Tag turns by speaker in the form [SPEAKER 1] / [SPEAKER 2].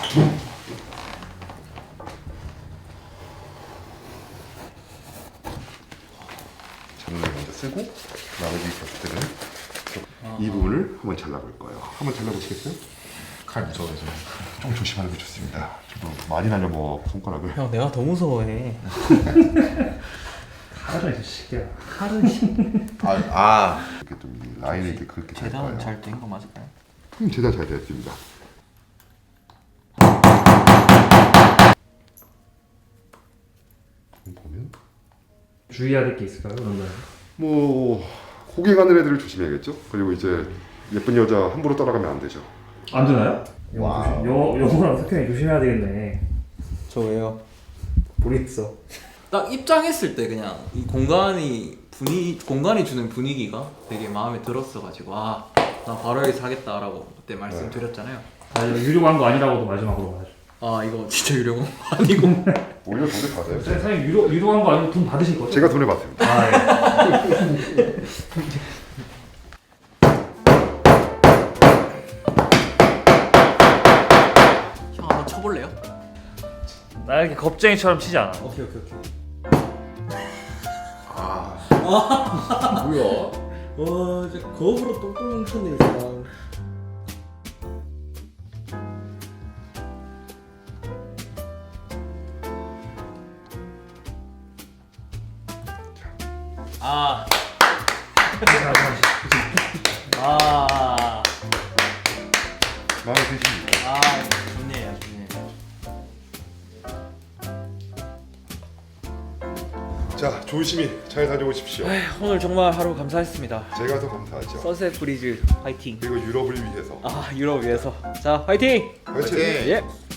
[SPEAKER 1] 잔을 먼저 쓰고 나머지 곁들은 이 부분을 한번 잘라볼 거예요. 한번 잘라보시겠어요? 칼 무서워서 좀 조심하는 게 좋습니다. 저도 많이 날려먹어 손가락을.
[SPEAKER 2] 형 내가 더 무서워해.
[SPEAKER 3] 하루 이제 시계야.
[SPEAKER 1] 이렇게 좀 이 라인을 이렇게 그렇게 잘
[SPEAKER 2] 재단은
[SPEAKER 1] 거예요.
[SPEAKER 2] 잘 된 거 맞을까요?
[SPEAKER 1] 재단 잘 되었습니다. 보면
[SPEAKER 3] 주의해야 될 게 있을까요? 그런 거.
[SPEAKER 1] 뭐 고개 가는 애들을 조심해야겠죠. 그리고 이제 예쁜 여자 함부로 따라가면 안 되죠.
[SPEAKER 3] 안 되나요? 영어랑 석현이 조심해야 되겠네.
[SPEAKER 2] 저 왜요?
[SPEAKER 3] 모르겠어.
[SPEAKER 2] 딱 입장했을 때 그냥 이 공간이 주는 분위기가 되게 마음에 들었어가지고 나 바로 여기 사겠다라고 그때 말씀드렸잖아요.
[SPEAKER 3] 유료 광고 아니라고도 마지막으로 말하죠.
[SPEAKER 2] 이거 진짜 유료공 아니고.
[SPEAKER 1] 오히려 돈을 받아요.
[SPEAKER 3] 사장님 유료 광고 아니고 돈 받으실 거죠?
[SPEAKER 1] 제가 돈을 받습니다.
[SPEAKER 3] 예.
[SPEAKER 2] 형 한번 쳐볼래요?
[SPEAKER 3] 나 이렇게 겁쟁이처럼 치지 않아.
[SPEAKER 2] 오케이.
[SPEAKER 4] 뭐야?
[SPEAKER 2] 와 진짜 겁으로 똥똥 뭉쳤네 이 사람.
[SPEAKER 1] 마음에 드십니까?
[SPEAKER 2] 좋네요.
[SPEAKER 1] 자, 조심히 잘 다녀오십시오.
[SPEAKER 2] 오늘 정말 하루 감사했습니다.
[SPEAKER 1] 제가 더 감사하죠.
[SPEAKER 2] 서셋 브리즈 화이팅.
[SPEAKER 1] 그리고 유럽을 위해서.
[SPEAKER 2] 유럽 위해서. 자 화이팅.
[SPEAKER 1] 화이팅!
[SPEAKER 2] 예.